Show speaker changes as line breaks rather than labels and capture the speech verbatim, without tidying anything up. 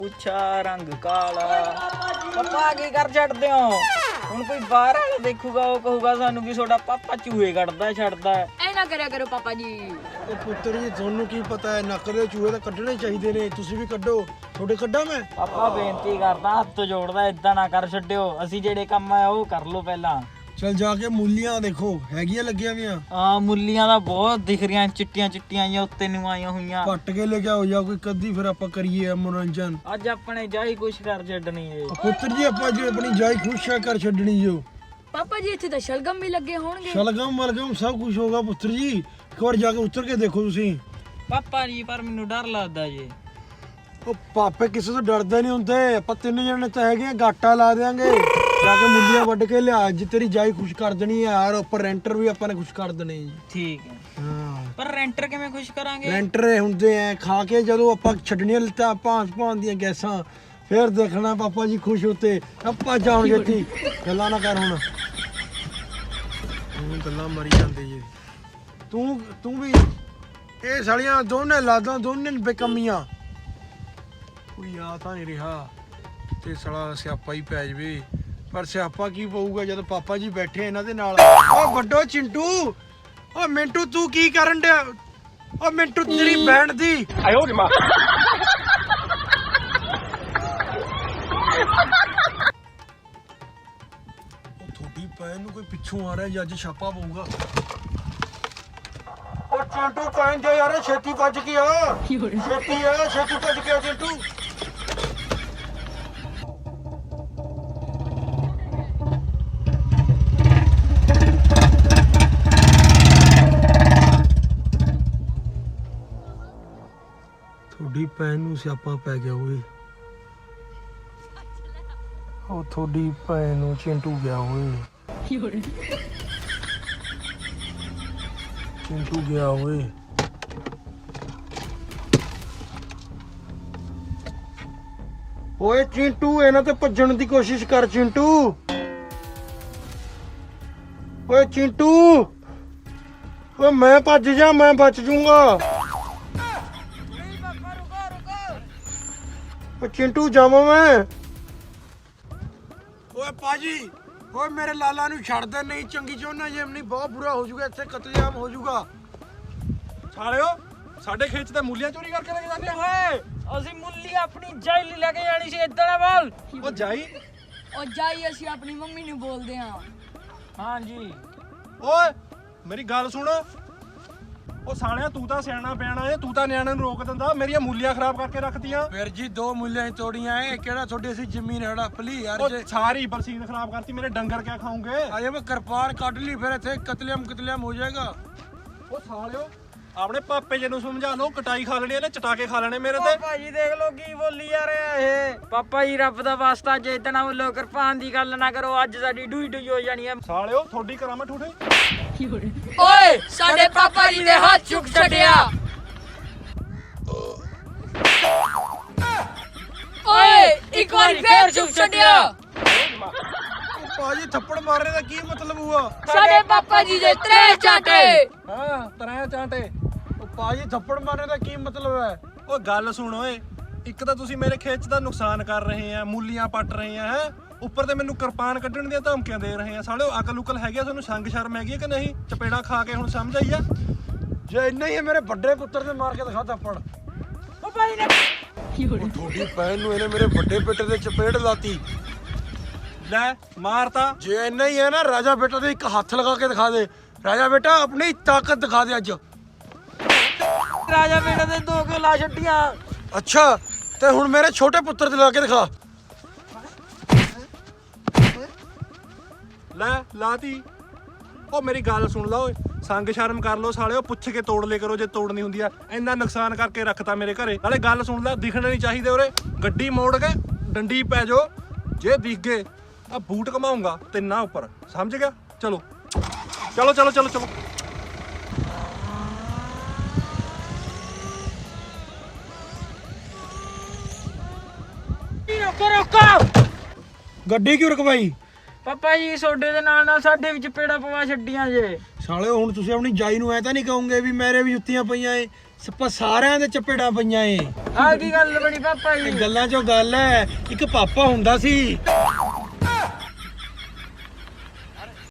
ਪੁੱਛਾ ਰੰਗ ਕਾਲਾ ਪਾਪਾ ਕੀ ਕਰ ਛੱਡਦੇ ਹੋ ਹੁਣ ਕੋਈ ਬਾਹਰ ਵਾਲਾ ਦੇਖੂਗਾ ਉਹ ਕਹੂਗਾ ਸਾਨੂੰ ਵੀ ਤੁਹਾਡਾ ਪਾਪਾ ਚੂਹੇ ਕੱਢਦਾ ਛੱਡਦਾ
ਐ ਨਾ ਕਰਿਆ ਕਰੋ ਪਾਪਾ ਜੀ।
ਉਹ ਪੁੱਤਰ ਜੀ ਤੁਹਾਨੂੰ ਕੀ ਪਤਾ ਹੈ ਨੱਕ ਦੇ ਚੂਹੇ ਤਾਂ ਕੱਢਣੇ ਚਾਹੀਦੇ ਨੇ, ਤੁਸੀਂ ਵੀ ਕੱਢੋ। ਤੁਹਾਡੇ ਕੱਢਾਂ ਮੈਂ?
ਪਾਪਾ ਬੇਨਤੀ ਕਰਦਾ ਹੱਥ ਜੋੜਦਾ ਇਦਾਂ ਨਾ ਕਰ ਛੱਡਿਓ, ਅਸੀਂ ਜਿਹੜੇ ਕੰਮ ਆ ਉਹ ਕਰ ਲਓ ਪਹਿਲਾਂ।
ਚਲ ਜਾ ਕੇ ਮੂਲੀਆਂ ਦੇਖੋ ਹੈਗੀਆਂ ਲੱਗੀਆਂ ਵੀਆਂ।
ਆ ਮੁੱਲੀਆਂ ਦਾ ਬਹੁਤ ਦਿਖ ਰਹੀਆਂ ਚਿੱਟੀਆਂ ਚਿੱਟੀਆਂ ਜਾਂ ਉੱਤੇ ਨੂੰ ਆਈਆਂ ਹੋਈਆਂ।
ਕੱਟ ਕੇ ਲੈ ਕੇ ਆਓ ਜਾਂ ਕੋਈ ਕੱਦੀ ਫਿਰ ਆਪਾਂ ਕਰੀਏ ਮਨੋਰੰਜਨ।
ਅੱਜ ਆਪਣੇ ਜਾਈ ਕੁਛ ਕਰ ਛੱਡਣੀ ਏ
ਪੁੱਤਰ ਜੀ ਆਪਾਂ ਜੀ ਆਪਣੀ ਜਾਈ ਖੁਸ਼ ਹੈ ਕਰ ਛੱਡਣੀ ਜੋ।
ਪਾਪਾ ਜੀ ਇੱਥੇ ਤਾਂ ਸ਼ਲਗਮ ਵੀ ਲੱਗੇ ਹੋਣਗੇ।
ਸ਼ਲਗਮ ਮਲਗਮ ਸਭ ਕੁਝ ਹੋਗਾ ਪੁੱਤਰ ਜੀ, ਇੱਕ ਵਾਰ ਜਾ ਕੇ ਉਤਰ ਕੇ ਦੇਖੋ ਤੁਸੀਂ।
ਪਾਪਾ ਜੀ ਪਰ ਮੈਨੂੰ ਡਰ ਲੱਗਦਾ ਜੀ।
ਉਹ ਪਾਪੇ ਕਿਸੇ ਤੋਂ ਡਰਦੇ ਨਹੀਂ ਹੁੰਦੇ, ਆਪਾਂ ਤਿੰਨ ਜਣੇ ਤਾਂ ਹੈਗੇ, ਗਾਟਾ ਲਾ ਦੇਾਂਗੇ। ਜਾ ਕੇ ਮੁੱਲੀਆਂ ਵੱਢ ਕੇ ਲਿਆ, ਅੱਜ ਤੇਰੀ ਜਾਈ ਖੁਸ਼ ਕਰ ਦੇਣੀ ਹੈ ਯਾਰ। ਉੱਪਰ ਰੈਂਟਰ ਵੀ ਆਪਾਂ ਨੇ ਖੁਸ਼ ਕਰ ਦੇਣੇ ਜੀ।
ਠੀਕ ਹੈ
ਹਾਂ
ਪਰ ਰੈਂਟਰ ਕਿਵੇਂ ਖੁਸ਼ ਕਰਾਂਗੇ?
ਰੈਂਟਰ ਹੁੰਦੇ ਆ ਖਾ ਕੇ ਜਦੋਂ ਆਪਾਂ ਛੱਡਣੀਆਂ ਲੱਤਾਂ ਭਾਂਸ ਭਾਂ ਦੀਆਂ ਗੈਸਾਂ, ਫਿਰ ਦੇਖਣਾ ਪਾਪਾ ਜੀ ਖੁਸ਼ ਹੁੰਦੇ। ਆਪਾਂ ਜਾਣਗੇ ਇੱਥੇ ਗੱਲਾਂ ਨਾ ਕਰ ਹੁਣ, ਤੂੰ ਗੱਲਾਂ ਮਰੀ ਜਾਂਦੇ ਜੀ। ਤੂੰ ਤੂੰ ਵੀ ਇਹ ਸਾਲੀਆਂ ਦੋਨੇ ਲਾਦਾਂ ਦੋਨੇ ਬੇਕਮੀਆਂ। ਕੋਈ ਆ ਤਾਂ ਨਹੀਂ ਰਿਹਾ ਤੇ ਸਾਲਾ ਸਿਆਪਾ ਹੀ ਪੈ ਜਵੇ। ਪਰ ਸਿਆਪਾ ਕੀ ਪਊਗਾ ਜਦੋਂ ਪਾਪਾ ਜੀ ਬੈਠੇ ਇਹਨਾਂ ਦੇ ਨਾਲ। ਓ ਵੱਡੋ ਚਿੰਟੂ, ਓ ਮਿੰਟੂ ਤੂੰ ਕੀ ਕਰਨ ਡਿਆ? ਓ ਮਿੰਟੂ ਤੇਰੀ ਬੈਂਡ ਦੀ ਆਇਓ ਰੇ ਮਾਂ। ਉਹ ਥੋੜੀ ਪੈਨ ਨੂੰ ਕੋਈ ਪਿੱਛੋਂ ਆ ਰਿਹਾ ਜੀ, ਅੱਜ ਛਾਪਾ ਪਊਗਾ। ਓ ਚਿੰਟੂ ਪੈਨ ਜਾ ਯਾਰ, ਛੇਤੀ ਭੱਜ ਕੇ ਆ। ਛੇਤੀ ਆ, ਛੇਤੀ ਭੱਜ ਕੇ ਆ ਚਿੰਟੂ। ਥੋੜੀ ਭੈਣ ਨੂੰ ਸਿਆਪਾ ਪੈ ਗਿਆ ਓਏ। ਉਹ ਥੋੜੀ ਭੈਣ ਨੂੰ ਚਿੰਟੂ ਗਿਆ ਓਏ। ਚਿੰਟੂ ਗਿਆ ਓਏ। ਓਏ ਚਿੰਟੂ ਇਹਨਾਂ ਤੇ ਭੱਜਣ ਦੀ ਕੋਸ਼ਿਸ਼ ਕਰ ਚਿੰਟੂ। ਓਏ ਚਿੰਟੂ, ਓਏ ਮੈਂ ਭੱਜ ਜਾ, ਮੈਂ ਬਚ ਜੂੰਗਾ। ਓ ਚਿੰਟੂ ਜਾਵਾਂ ਮੈਂ? ਓਏ ਪਾਜੀ, ਓਏ ਮੇਰੇ ਲਾਲਾ ਨੂੰ ਛੱਡ ਦੇ, ਨਹੀਂ ਚੰਗੀ ਚੋਨਾ ਜੇ ਨਹੀਂ ਬਹੁਤ ਬੁਰਾ ਹੋ ਜਾਊਗਾ, ਇੱਥੇ ਕਤਲੇਆਮ ਹੋ ਜਾਊਗਾ।
ਸਾਲਿਓ ਸਾਡੇ ਖੇਤ ਤੇ ਮੂਲੀਆਂ ਚੋਰੀ ਕਰਕੇ ਲੈ ਕੇ ਜਾਂਦੇ ਓਏ।
ਅਸੀਂ ਮੁੱਲੀ ਆਪਣੀ ਜਾਈ ਲਈ ਲੈ ਕੇ ਜਾਣੀ ਸੀ ਇਦਾਂ ਨਾ ਬੋਲ।
ਉਹ ਜਾਈ
ਉਹ ਜਾਈ ਅਸੀਂ ਆਪਣੀ ਮੰਮੀ ਨੂੰ ਬੋਲਦੇ ਆਂ।
ਹਾਂਜੀ
ਓਏ ਮੇਰੀ ਗੱਲ ਸੁਣ। ਉਹ ਸਾਲਿਆ ਤੂੰ ਤਾਂ ਸਿਆਣਾ ਬਿਆਣਾ ਏ, ਤੂੰ ਤਾਂ ਨਿਆਣਿਆਂ ਨੂੰ ਰੋਕ ਦਿੰਦਾ, ਮੇਰੀਆਂ ਮੂਲੀਆਂ ਖਰਾਬ ਕਰਕੇ ਰੱਖਤੀਆਂ।
ਵੀਰ ਜੀ ਦੋ ਮੁੱਲਿਆਂ ਹੀ ਤੋੜੀਆਂ ਏ, ਕਿਹੜਾ ਤੁਹਾਡੀ ਅਸੀਂ ਜ਼ਮੀਨ ਹੜਪ ਲਈ ਯਾਰ।
ਉਹ
ਜੇ
ਸਾਰੀ ਬਰਸੀਨ ਖਰਾਬ ਕਰਤੀ, ਮੇਰੇ ਡੰਗਰ ਕਿਆ ਖਾਉਂਗੇ?
ਅਜੇ ਮੈਂ ਕਿਰਪਾਨ ਕੱਢ ਲਈ, ਫਿਰ ਇੱਥੇ ਕਤਲੇਆਮ ਕਤਲੇਆਮ ਹੋ ਜਾਏਗਾ।
ਉਹ ਸਾਲਿਓ ਆਪਣੇ ਪਾਪੇ ਜੀ ਨੂੰ ਸਮਝਾ ਲਓ, ਕਟਾਈ ਖਾ ਲੈਣੀ ਇਹਨੇ, ਚਟਾ ਕੇ ਖਾ ਲੈਣੇ ਮੇਰੇ ਤੇ।
ਪਾਪਾ ਜੀ ਦੇਖ ਲੋ ਕੀ ਬੋਲੀ ਜਾ ਰਿਹਾ ਇਹ। ਪਾਪਾ ਜੀ ਰੱਬ ਦਾ ਵਾਸਤਾ ਜੇ ਇਦਾਂ ਨਾ ਬੋਲੋ, ਕਿਰਪਾਨ ਦੀ ਗੱਲ ਨਾ ਕਰੋ, ਅੱਜ ਸਾਡੀ ਡੂਈ ਡੂਈ ਹੋ ਜਾਣੀ ਹੈ।
ਸਾਲਿਓ ਤੁਹਾਡੀ ਕਰਾਮਤ ਠੂਠੇ।
ਓਏ ਸਾਡੇ ਪਾਪਾ ਜੀ ਦੇ ਹੱਥ ਚੁੱਕ ਛੱਡਿਆ। ਓਏ ਇੱਕ ਵਾਰੀ ਫੇਰ ਚੁੱਕ ਛੱਡਿਆ।
ਪਾਜੀ ਥੱਪੜ ਮਾਰਨੇ ਦਾ ਕੀ ਮਤਲਬ ਹੁਆ?
ਸਾਡੇ ਪਾਪਾ ਜੀ ਦੇ ਤਰੇ ਚਾਟੇ।
ਹਾਂ ਤਰਾਂ ਚਾਂਟੇ।
ਉਹ ਪਾਜੀ ਥੱਪੜ ਮਾਰਨੇ ਦਾ ਕੀ ਮਤਲਬ ਹੈ?
ਉਹ ਗੱਲ ਸੁਣ ਓਏ, ਇੱਕ ਤਾਂ ਤੁਸੀਂ ਮੇਰੇ ਖੇਤ ਦਾ ਨੁਕਸਾਨ ਕਰ ਰਹੇ ਆ, ਮੂਲੀਆਂ ਪੱਟ ਰਹੇ ਆ ਹੈ, ਉੱਪਰ ਤੇ ਮੈਨੂੰ ਕਿਰਪਾਨ ਕੱਢਣ ਦੀਆਂ ਧਮਕੀਆਂ ਦੇ ਰਹੇ ਆ। ਸਾਲਿਓ ਅਕਲ ਉਕਲ ਹੈਗੀ ਆ ਤੁਹਾਨੂੰ? ਸੰਗ ਸ਼ਰਮ ਹੈਗੀ ਆ ਕਿ ਨਹੀਂ? ਚਪੇੜਾ ਖਾ ਕੇ ਹੁਣ ਸਮਝ ਆਈ ਆ?
ਜੇ ਇੰਨਾ ਹੀ ਹੈ ਮੇਰੇ ਵੱਡੇ ਪੁੱਤਰ ਤੇ ਮਾਰ ਕੇ ਦਿਖਾ ਥੱਪੜ।
ਪਾਪਾ ਜੀ ਨੇ
ਉਹ ਤੁਹਾਡੀ ਭੈਣ ਨੂੰ ਇਹਨੇ ਮੇਰੇ ਵੱਡੇ ਬੇਟੇ ਦੇ ਚਪੇੜ ਲਾਤੀ।
ਲੈ ਮਾਰਤਾ।
ਜੇ ਇੰਨਾ ਹੀ ਹੈ ਨਾ, ਰਾਜਾ ਬੇਟਾ ਦੇ ਇੱਕ ਹੱਥ ਲਗਾ ਕੇ ਦਿਖਾ ਦੇ। ਰਾਜਾ ਬੇਟਾ ਆਪਣੀ ਤਾਕਤ ਦਿਖਾ ਦੇ ਅੱਜ।
ਰਾਜਾ ਬੇਟਾ ਦੇ ਦੋ ਕਿਉਂ ਲਾ ਛੱਡੀਆਂ?
ਅੱਛਾ ਤੇ ਹੁਣ ਮੇਰੇ ਛੋਟੇ ਪੁੱਤਰ ਤੇ ਲਾ ਕੇ ਦਿਖਾ।
ਲੈ ਲਾਤੀ। ਉਹ ਮੇਰੀ ਗੱਲ ਸੁਣ ਲਾ ਓਏ, ਸੰਗ ਸ਼ਰਮ ਕਰ ਲੋ ਸਾਲਿਓ, ਪੁੱਛ ਕੇ ਤੋੜ ਲੈ ਕਰੋ ਜੇ ਤੋੜਨੀ ਹੁੰਦੀ ਆ। ਇੰਨਾ ਨੁਕਸਾਨ ਕਰਕੇ ਰੱਖਤਾ ਮੇਰੇ ਘਰੇ। ਨਾਲੇ ਗੱਲ ਸੁਣ ਲੈ, ਦਿਖਣੇ ਨਹੀਂ ਚਾਹੀਦੇ ਉਰੇ। ਗੱਡੀ ਮੋੜ ਕੇ ਡੰਡੀ ਪੈ ਜਾਓ, ਜੇ ਦਿਖ ਗਏ ਆ ਬੂਟ ਘਮਾਉਂਗਾ ਤਿੰਨਾਂ ਉੱਪਰ, ਸਮਝ ਗਿਆ? ਚਲੋ ਚਲੋ ਚਲੋ ਚਲੋ ਚਲੋ।
ਰੋਕੋ ਰੋਕੋ।
ਗੱਡੀ ਕਿਉਂ ਰੁਕਵਾਈ?
ਪਾਪਾ ਜੀ ਤੁਹਾਡੇ ਦੇ ਨਾਲ ਨਾਲ ਸਾਡੇ ਵਿੱਚ ਪੇੜਾ ਪਵਾ ਛੱਡੀਆਂ ਜੇ।
ਸਾਲਿਓ ਹੁਣ ਤੁਸੀਂ ਆਪਣੀ ਜਾਈ ਨੂੰ ਐ ਤਾਂ ਨਹੀਂ ਕਹੋਗੇ ਵੀ ਮੇਰੇ ਵੀ ਜੁੱਤੀਆਂ ਪਈਆਂ ਏ? ਸਪਾ ਸਾਰਿਆਂ ਦੇ ਚਪੇੜਾਂ ਪਈਆਂ ਏ
ਆ ਕੀ ਗੱਲ ਬਣੀ ਪਾਪਾ ਜੀ?
ਗੱਲਾਂ ਚੋਂ ਗੱਲ ਹੈ ਇੱਕ ਪਾਪਾ ਹੁੰਦਾ ਸੀ